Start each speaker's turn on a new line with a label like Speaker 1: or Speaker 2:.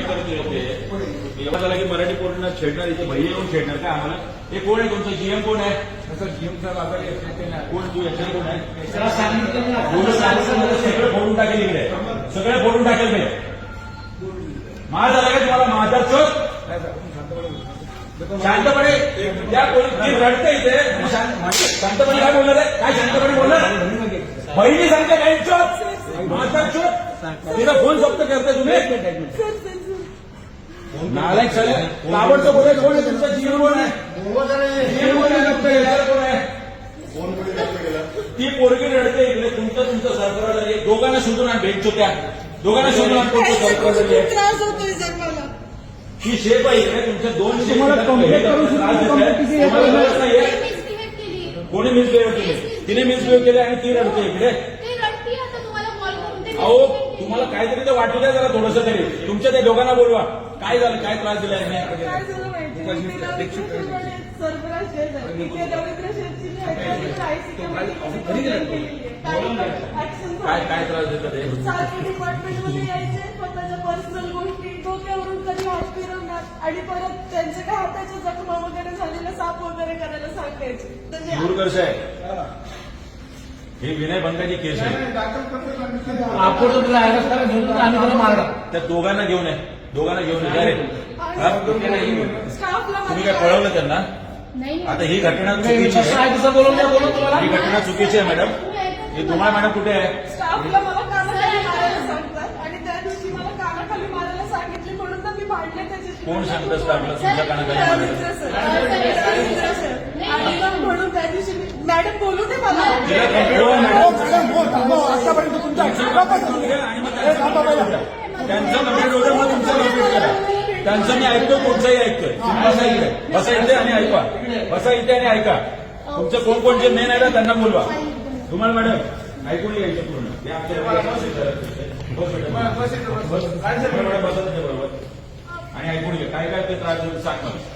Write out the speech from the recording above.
Speaker 1: करतोय ते एवढं झालं की मराठी पोरांना छेडणार, इथे भैया येऊन छेडणार काय आम्हाला? हे कोण आहे तुमचं जीएम कोण आहे?
Speaker 2: जीएम साहेब आजारी
Speaker 1: कोण तू याच्या कोण आहे?
Speaker 2: सांगितलं
Speaker 1: सगळं फोडून टाकेल इकडे, सगळं फोडून टाकेल ते. माझा झाला का तुम्हाला माझा शोध? शांतपणे त्या ती रडते इथे शांतपणे काय बोलणार आहे? काय शांतपणे बोलणार? बहिणी सांगते काय शोध? माझा शोध तिला फोन फक्त करते तुम्ही. नालायक सगळे ताबडतोब बोले. कोण आहे तुमचा जीवन? कोण आहे? जीवन कोण आहे? कोण आहे? ती पोरगी रडते इकडे. तुमचं सरकार दोघांना शोधून आण. भेट होत्या दोघांना शोधून आण. कोणतं सरकार
Speaker 3: त्रास होतोय सर मला.
Speaker 1: ही शेप आहे इकडे. तुमच्या दोन शेप कोणी मिसबिहेव केले? तिने मिसबिहेव केले आणि ती रडते इकडे. अहो तुम्हाला काहीतरी तर वाटू द्या जरा थोडंसं तरी. तुमच्या त्या दोघांना बोलवा. काय झालं? काय त्रास दिला
Speaker 3: काय झालं माहिती सरफराज शेठ आहे. तिथे रवींद्र शेठची
Speaker 1: काय त्रास देतात ते?
Speaker 3: सारखे डिपार्टमेंटमध्ये यायचे, स्वतःच्या पर्सनल गोष्टी डोक्यावरून कधी हात फिरवणार आणि परत त्यांचे काय हाताच्या जखमा वगैरे झालेल्या साफ वगैरे करायला सांगायचे.
Speaker 1: दूरदर्श आहे ही विनयभंगाची केस आहे.
Speaker 2: आपण मारला
Speaker 1: त्या दोघांना घेऊन आहे. दोघांना घेऊन या रे.
Speaker 3: स्टाफला
Speaker 1: तुम्ही काय कळवलं त्यांना? आता ही घटना चुकीची आहे. ही घटना चुकीची आहे मॅडम. ही तुम्हाला मॅडम कुठे आहे?
Speaker 3: स्टाफला मला कानाखाली मारायला सांगतात आणि त्या दिवशी मला कानाखाली मारायला सांगितले म्हणून तर मी भांडले त्याच्याशी.
Speaker 1: कोण सांगतं स्टाफला तुमच्या कानाखाली मारायला?
Speaker 3: आणि मग म्हणून त्या दिवशी मॅडम बोलू दे मला.
Speaker 2: आतापर्यंत तुमच्या
Speaker 1: त्यांचं कंप्लीट होतं मग तुमचं कंप्लीट करा. त्यांचं मी ऐकतो, कोणचंही ऐकतोय. बसा इथे, बसा इथे आणि ऐका. बसा इथे आणि ऐका. तुमचं कोण कोणचे मेन आहे ना त्यांना बोलवा. तुम्हाला मॅडम ऐकून घ्यायचं पूर्ण. बरोबर आणि ऐकून घ्या काय काय ते त्रास सांग मला.